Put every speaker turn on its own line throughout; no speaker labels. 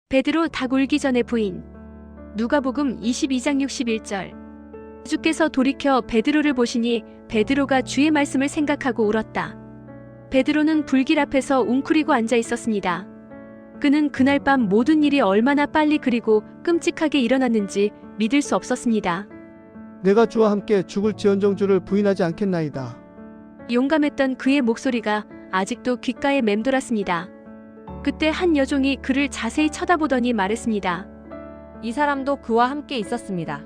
베드로 닭 울기 전에 부인. 누가복음 22장 61절. 주께서 돌이켜 베드로를 보시니 베드로가 주의 말씀을 생각하고 울었다. 베드로는 불길 앞에서 웅크리고 앉아 있었습니다. 그는 그날 밤 모든 일이 얼마나 빨리 그리고 끔찍하게 일어났는지 믿을 수 없었습니다.
내가 주와 함께 죽을지언정 주를 부인하지 않겠나이다.
용감했던 그의 목소리가 아직도 귓가에 맴돌았습니다. 그때 한 여종이 그를 자세히 쳐다보더니 말했습니다.
이 사람도 그와 함께 있었습니다.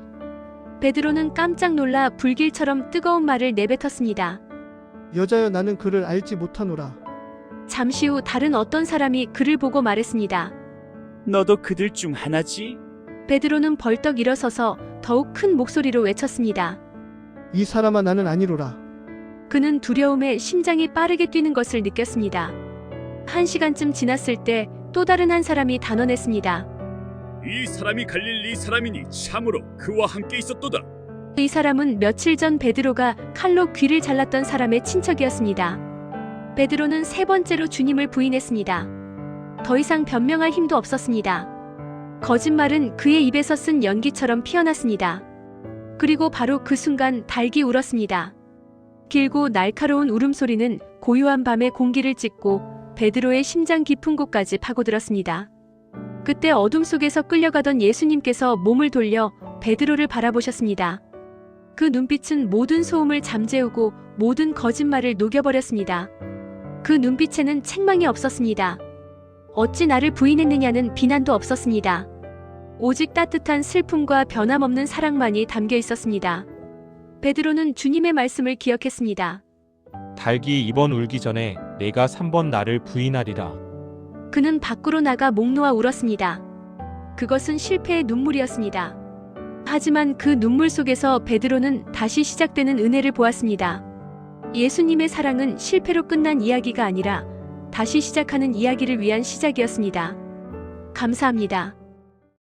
베드로는 깜짝 놀라 불길처럼 뜨거운 말을 내뱉었습니다.
여자여 나는 그를 알지 못하노라.
잠시 후 다른 어떤 사람이 그를 보고 말했습니다.
너도 그들 중 하나지?
베드로는 벌떡 일어서서 더욱 큰 목소리로 외쳤습니다.
이 사람아 나는 아니로라.
그는 두려움에 심장이 빠르게 뛰는 것을 느꼈습니다. 1시간쯤 지났을 때 또 다른 한 사람이 단언했습니다.
이 사람이 갈릴리 사람이니 참으로 그와 함께 있었도다.
이 사람은 며칠 전 베드로가 칼로 귀를 잘랐던 사람의 친척이었습니다. 베드로는 3번째로 주님을 부인했습니다. 더 이상 변명할 힘도 없었습니다. 거짓말은 그의 입에서 쓴 연기처럼 피어났습니다. 그리고 바로 그 순간 닭이 울었습니다. 길고 날카로운 울음소리는 고요한 밤의 공기를 찢고 베드로의 심장 깊은 곳까지 파고들었습니다. 그때 어둠 속에서 끌려가던 예수님께서 몸을 돌려 베드로를 바라보셨습니다. 그 눈빛은 모든 소음을 잠재우고 모든 거짓말을 녹여버렸습니다. 그 눈빛에는 책망이 없었습니다. 어찌 나를 부인했느냐는 비난도 없었습니다. 오직 따뜻한 슬픔과 변함없는 사랑만이 담겨 있었습니다. 베드로는 주님의 말씀을 기억했습니다.
닭이 2번 울기 전에 내가 3번 나를 부인하리라.
그는 밖으로 나가 목 놓아 울었습니다. 그것은 실패의 눈물이었습니다. 하지만 그 눈물 속에서 베드로는 다시 시작되는 은혜를 보았습니다. 예수님의 사랑은 실패로 끝난 이야기가 아니라 다시 시작하는 이야기를 위한 시작이었습니다. 감사합니다.